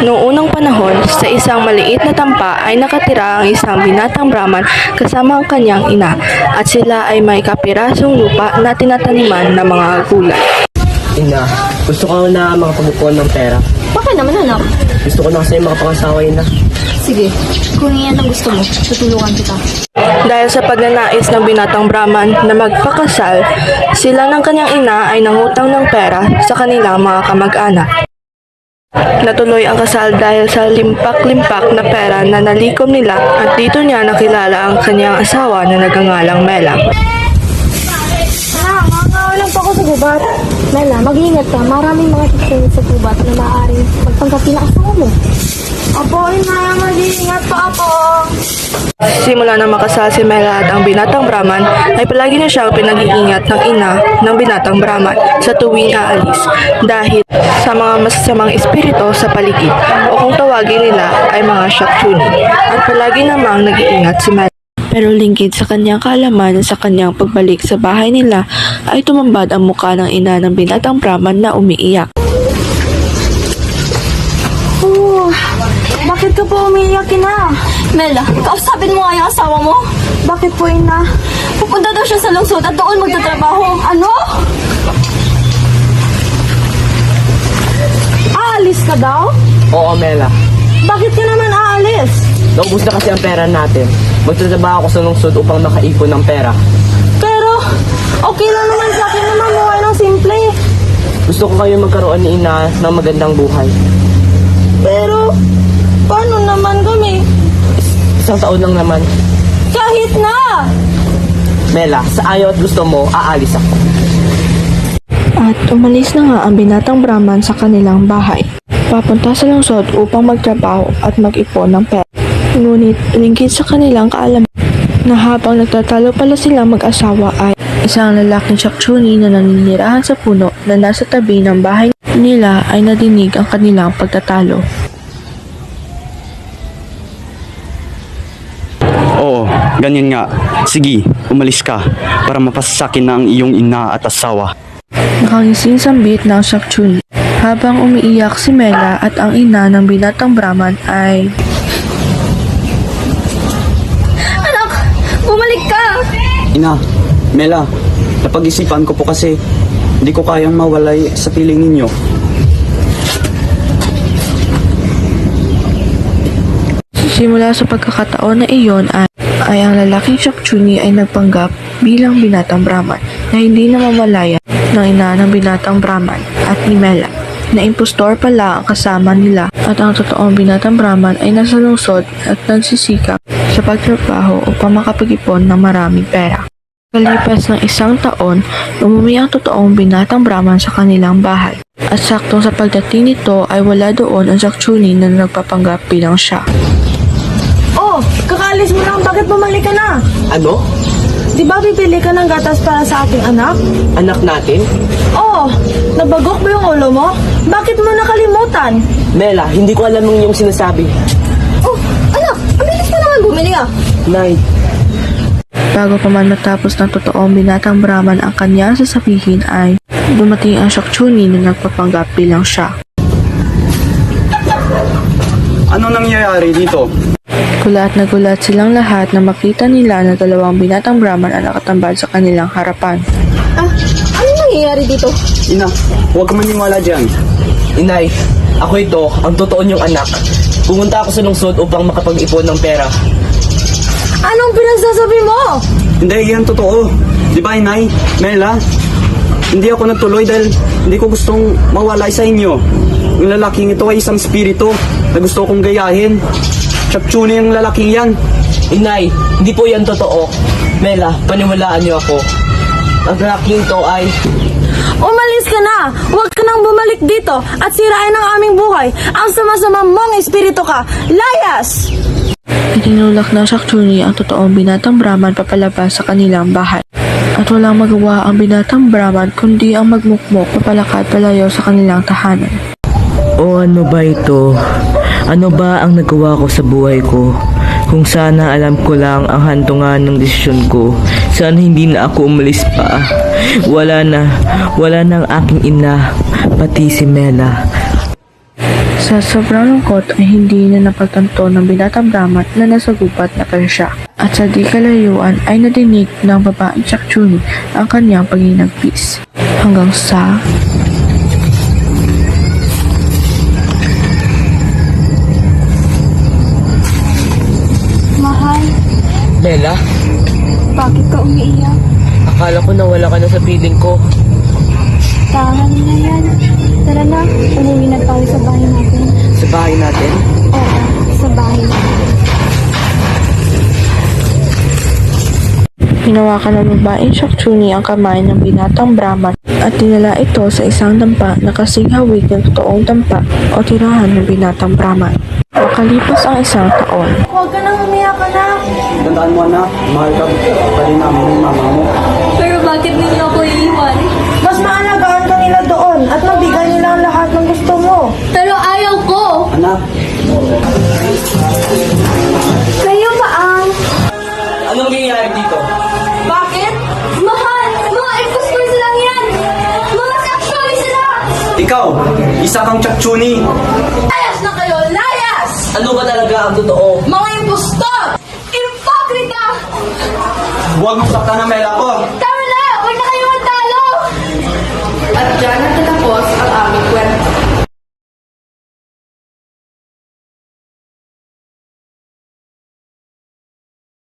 Noong unang panahon, sa isang maliit na tampa ay nakatira ang isang binatang Brahman kasama ang kanyang ina at sila ay may kapirasong lupa na tinataniman ng mga gulay. Ina, gusto ko na makapag-ipon ng pera. Bakit naman anak? Gusto ko na kasi makapangasawa, Ina. Sige, kung yan ang gusto mo, tutulungan kita. Dahil sa pagnanais ng binatang Brahman na magpakasal, sila ng kanyang ina ay nangutang ng pera sa kanilang mga kamag-anak. Natuloy ang kasal dahil sa limpak-limpak na pera na nalikom nila at dito niya nakilala ang kanyang asawa na nagangalang Mela. Makakawalan pa ako sa gubat. Mela, mag-iingat ka. Maraming mga sisingit sa gubat na maaaring magpangkapi na asawa mo. Apo, ina, mag-iingat pa ako. Simula na makasal si Mela at ang binatang Brahman ay palagi na siyang pinag-iingat ng ina ng binatang Brahman sa tuwing aalis dahil sa mga masasamang espiritu sa paligid o kung tawagin nila ay mga Shakchuni at palagi namang nag-iingat si Mela. Pero lingkid sa kanyang kaalaman sa kanyang pagbalik sa bahay nila ay tumambad ang mukha ng ina ng binatang Brahman na umiiyak. Bakit ka po umiiyak, ina? Mela, kausapin mo nga yung asawa mo. Bakit po, ina? Pupunta daw siya sa lungsod at doon magtatrabaho. Ano? Aalis ka daw? Oo, Mela. Bakit ka naman aalis? Naubos na kasi ang pera natin. Magtatrabaho ako sa lungsod upang makaipon ng pera. Pero, okay lang naman sa akin na mamuhay ng simple. Gusto ko kayo magkaroon ni Ina ng magandang buhay. Pero, paano naman kami? Isang taon lang naman. Kahit na! Mela, sa ayaw at gusto mo, aalis ako. At umalis na nga ang binatang Brahman sa kanilang bahay. Papunta sa lungsod upang magtrabaho at mag-ipon ng pera. Ngunit lingkid sa kanilang kaalaman na habang nagtatalo pala silang mag-asawa ay isang lalaking Shakchuni na naninirahan sa puno na nasa tabi ng bahay nila ay nadinig ang kanilang pagtatalo. Oo, ganyan nga. Sige, umalis ka para mapasasakin na ang iyong ina at asawa. Nakangising sambit ng Shakchuni habang umiiyak si Mela at ang ina ng binatang Brahman ay Anak, bumalik ka! Ina, Mela, napag-isipan ko po kasi hindi ko kayang mawalay sa piling ninyo. simula sa pagkakataon na iyon ay ang lalaking Shakchuni ay nagpanggap bilang binatang Brahman na hindi namamalaya ng ina ng binatang Brahman at ni Mela na impostor pala ang kasama nila at ang totoong binatang Brahman ay nasa lungsod at nagsisikap sa pagtrabaho upang makapag-ipon ng maraming pera. Kalipas ng isang taon, umuwi ang totoong binatang Brahman sa kanilang bahay at saktong sa pagdating nito ay wala doon ang Shakchuni na nagpapanggap bilang siya. Oh, kakaalis mo lang. Bakit bumalik ka na? Ano? Di ba bibili ka ng gatas para sa ating anak? Anak natin? Oh, nabagok ba yung ulo mo? Bakit mo nakalimutan? Mela, hindi ko alam yung iyong sinasabi. Oh, anak, ang bilis mo naman bumili ah. Nay, Bago pa man matapos ng totoong binatang Brahman ang kanyang sasabihin ay dumating ang Shakchuni na nagpapanggap bilang siya. Ano nangyayari dito? Gulat na gulat silang lahat na makita nila na dalawang binatang Brahman ang nakatambal sa kanilang harapan. Ah, ano nangyayari dito? Ina, huwag ka maniwala dyan. Inay, ako ito, ang totoo niyong anak. Pumunta ako sa lungsod upang makapag-ipon ng pera. Anong pinagsasabi mo? Hindi, yan totoo. Di ba, Inay? Mela? Hindi ako nagtuloy dahil hindi ko gustong mawalay sa inyo. Yung lalaking ito ay isang spirito na gusto kong gayahin. Shakchuni yung lalaking yan. Inay, hindi po yan totoo. Mela, paniwalaan niyo ako. Ang lalaking ito ay... Umalis ka na! Huwag ka nang bumalik dito at sirain ang aming buhay. Ang sama-sama mong espiritu ka. Layas! Itinulak ng Shakchuni ang totoong binatang Brahman papalabas sa kanilang bahay. At walang magawa ang binatang Brahman kundi ang magmukmok papalakad palayo sa kanilang tahanan. O ano ba ito? Ano ba ang nagawa ko sa buhay ko? Kung sana alam ko lang ang hantungan ng desisyon ko, sana hindi na ako umalis pa. Wala na ang aking ina, pati si Mela. Sa sobrang lungkot ay hindi na napagtanto ng binatang Brahman na nasa gubat na pala siya. At sa di kalayuan ay nadinig ng babaeng Chakchuni ang kanyang paginagpis. Hanggang sa... Mahal, Mela, bakit ka umiiyak? akala ko nawala ka na sa piling ko. Tahan na yan. Tara na, umuwi na tayo sa bahay natin. Sa bahay natin? Oo, sa bahay natin. Hinawakan ng babaeng Chakchuni ang kamay ng binatang Brahman at dinala ito sa isang dampa na kasing hawig ng totoong dampa o tirahan ng binatang Brahman. Makalipas ang isang taon, Huwag ka nang umiyak, anak. Tandaan mo anak, mahal ka pa rin namin ng mama mo. Pero bakit ninyo ako iiwan? Mas maalagaan ka nila doon at mabigay nila ang lahat ng gusto mo. Pero ayaw ko! Anak, Kayo ba ang... Anong nangyayari dito? Bakit? Mahal! Mga impostors lang yan! Mga Chakchuni sila! ikaw, isa kang Chakchuni. Layas na kayo! Layas! Ano ba talaga ang totoo? Mga impostor! Ipokrita! Huwag mo saktan ang Mela ko. Tama